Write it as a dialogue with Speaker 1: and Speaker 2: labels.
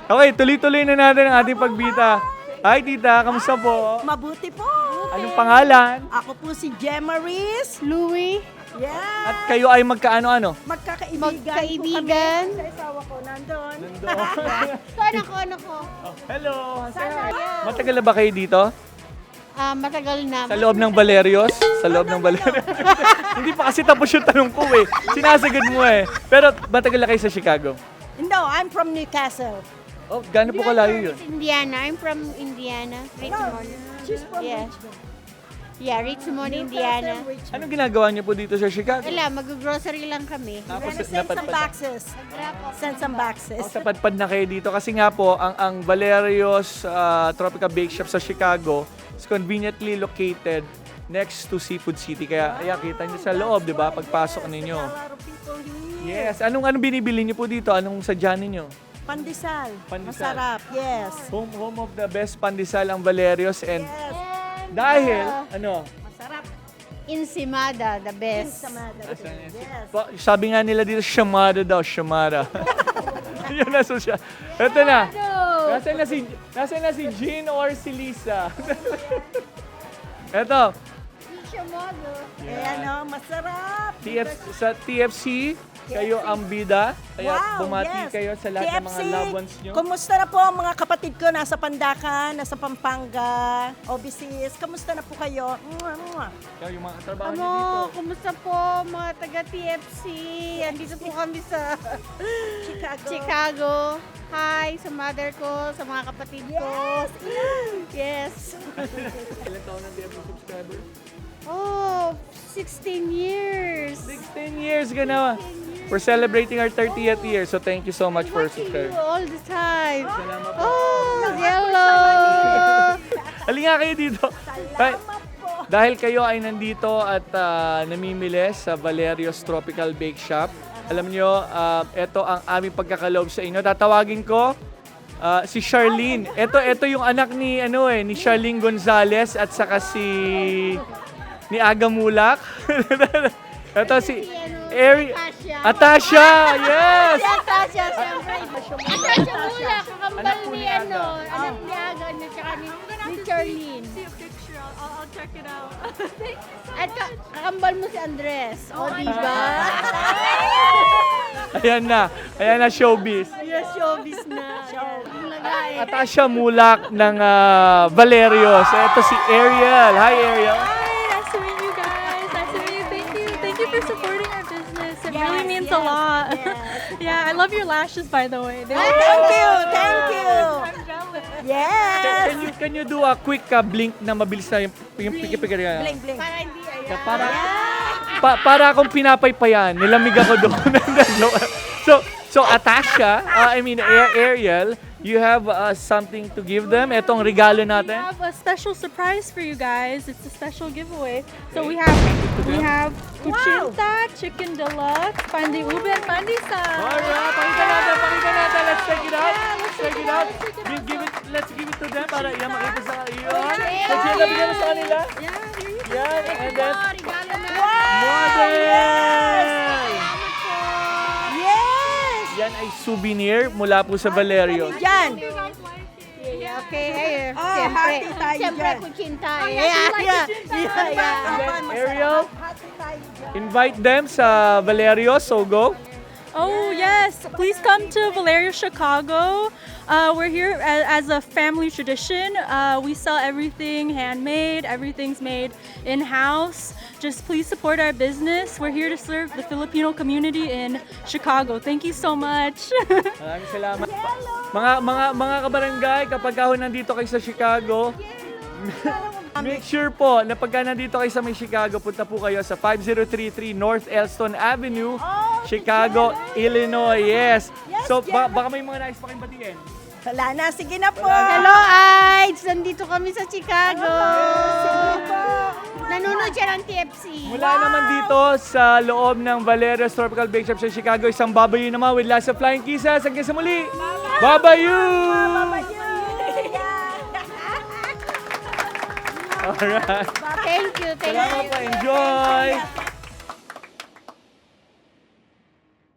Speaker 1: Okay, tuloy-tuloy na natin ang ating pagbita. Hi, tita. Kamusta po?
Speaker 2: Mabuti po.
Speaker 1: Anong pangalan?
Speaker 2: Ako po si Gemma Riz.
Speaker 3: Louie,
Speaker 2: Yeah.
Speaker 1: At kayo ay magkaano-ano?
Speaker 2: po
Speaker 3: Magkaibigan.
Speaker 2: kami. Sa asawa ko, nandun.
Speaker 3: ito anak ko.
Speaker 1: Hello. Say hi. Matagal na ba kayo dito?
Speaker 3: Matagal na.
Speaker 1: Sa loob ng Valerios? Sa loob ng Valerios? Hindi pa kasi tapos yung tanong ko eh. Sinasagad mo eh. Pero matagal na kayo sa Chicago?
Speaker 2: No, I'm from Newcastle.
Speaker 1: Oh, gaano po kalayo yun?
Speaker 3: Indiana. I'm from Indiana. Richmond.
Speaker 2: She's from
Speaker 3: Yeah.
Speaker 2: Richmond.
Speaker 3: Yeah, Richmond,
Speaker 2: Newcastle,
Speaker 3: Indiana.
Speaker 2: Richmond.
Speaker 1: Anong ginagawa niyo po dito sa Chicago?
Speaker 3: Wala, mag-grocery lang kami.
Speaker 1: Tapos
Speaker 2: Gonna send some boxes. Send some boxes.
Speaker 1: Sa padpad na kayo dito kasi nga po ang Valerios Tropical Bake Shop sa Chicago is conveniently located next to Seafood City. Kaya ayan, kita niyo sa loob, 'di ba? Pagpasok ninyo.
Speaker 2: A lot of people here.
Speaker 1: Yes, anong binibili niyo po dito? Anong sadyanan niyo?
Speaker 2: Pandesal.
Speaker 1: Pandesal.
Speaker 2: Masarap. Yes.
Speaker 1: Home of the best pandesal ang Valerios and
Speaker 2: Yes.
Speaker 1: dahil
Speaker 2: Masarap.
Speaker 3: Ensimada, the best.
Speaker 2: Samada. Yes.
Speaker 1: sabi nga nila dito, shamada daw, shamada. Yun na siya. Ito na. Nasaan na si Jean or si Lisa? Ito.
Speaker 2: Ayan o, masarap.
Speaker 1: Sa TFC, kayo ang bida. Kaya
Speaker 2: Wow,
Speaker 1: bumati
Speaker 2: yes.
Speaker 1: kayo sa lahat ng mga
Speaker 2: TFC,
Speaker 1: loved ones nyo.
Speaker 2: Kumusta na po ang mga kapatid ko nasa Pandacan, nasa Pampanga, OBCs? Kamusta na po kayo? Mwah, mwah.
Speaker 1: Kaya yung mga trabaho nyo
Speaker 3: Ano,
Speaker 1: dito.
Speaker 3: kumusta po mga taga-TFC? Andito po kami sa Chicago. Hi sa mother ko, sa mga kapatid ko. Yes.
Speaker 1: Ilan taon na TFC subscriber?
Speaker 3: Oh, 16 years.
Speaker 1: 16 years ka na. We're celebrating our 30th year, so thank you so much for
Speaker 3: Watching you
Speaker 1: subscribing.
Speaker 3: all the time.
Speaker 1: Salamat po.
Speaker 3: Oh, hello.
Speaker 1: Halika kayo dito. Dahil kayo ay nandito at namimili sa Valerios Tropical Bake Shop, alam nyo, ito ang aming pagkakaloob sa inyo. Tatawagin ko si Charlene. Ito yung anak ni ni Charlene Gonzalez at saka ni Aga Mulak. Ito si Atasha. Yes.
Speaker 3: Atasha, siyempre. Atasha mula, kakambal ni anak ni Aga, tsaka ni Charlene.
Speaker 4: I'll check it out.
Speaker 3: At kakambal mo si Andres. O, diba?
Speaker 1: Ayan na showbiz.
Speaker 3: Yes, showbiz na.
Speaker 1: Atasha Mulak ng Valerios. Ito si Ariel. Hi Ariel.
Speaker 4: Hi, nice to meet you guys. Nice to meet you. Thank you for supporting our business. It really means a lot. Yeah, I love your lashes, by the way.
Speaker 2: Thank you.
Speaker 4: I'm jealous.
Speaker 2: Yes.
Speaker 1: Can you do a quick blink na mabilis na yung piki-piki?
Speaker 2: Bling, bling.
Speaker 3: Para hindi, ayan.
Speaker 1: Para akong pinapaypayan. Nilamig ako doon. So Atasha, Ariel, you have something to give them. Etong regalo
Speaker 4: We
Speaker 1: natin.
Speaker 4: have a special surprise for you guys. It's a special giveaway. So we have kuchinta, chicken deluxe, pandi ube, and pandesal.
Speaker 1: Alright, pakita natin. Let's check it out. Let's give it to them para yan makita sa iyo. Let's bigyan mo sa kanila.
Speaker 4: Yeah, here you go.
Speaker 1: Yan, and then
Speaker 3: Regalo na.
Speaker 1: model!
Speaker 2: Yes.
Speaker 1: Yan ay souvenir mula po sa Valerio.
Speaker 2: Yan.
Speaker 3: Okay, here.
Speaker 2: happy tayo
Speaker 3: Siyempre,
Speaker 2: dyan.
Speaker 3: kuchinta.
Speaker 1: Ariel, invite them sa Valerio, so go.
Speaker 4: Oh, yes. Please come to Valeria Chicago. We're here as a family tradition. We sell everything handmade. Everything's made in-house. Just please support our business. We're here to serve the Filipino community in Chicago. Thank you so much.
Speaker 1: Maraming salamat. Mga kabarangay, kapag nandito kayo sa Chicago, make sure po na pagka nandito kayo sa may Chicago, punta po kayo sa 5033 North Elston Avenue, Chicago, Illinois. Yes. So baka may mga nais pa kayong batiin.
Speaker 2: Wala na. Sige na po.
Speaker 3: Hello, Ides! Nandito kami sa Chicago. Nanonood siya ng TFC.
Speaker 1: Mula naman dito sa loob ng Valerios Tropical Bake Shop sa Chicago, isang babayu naman with lots of flying kisses. Hanggang sa muli. Babayu! Alright.
Speaker 3: Thank you.
Speaker 1: Salamat po. Enjoy!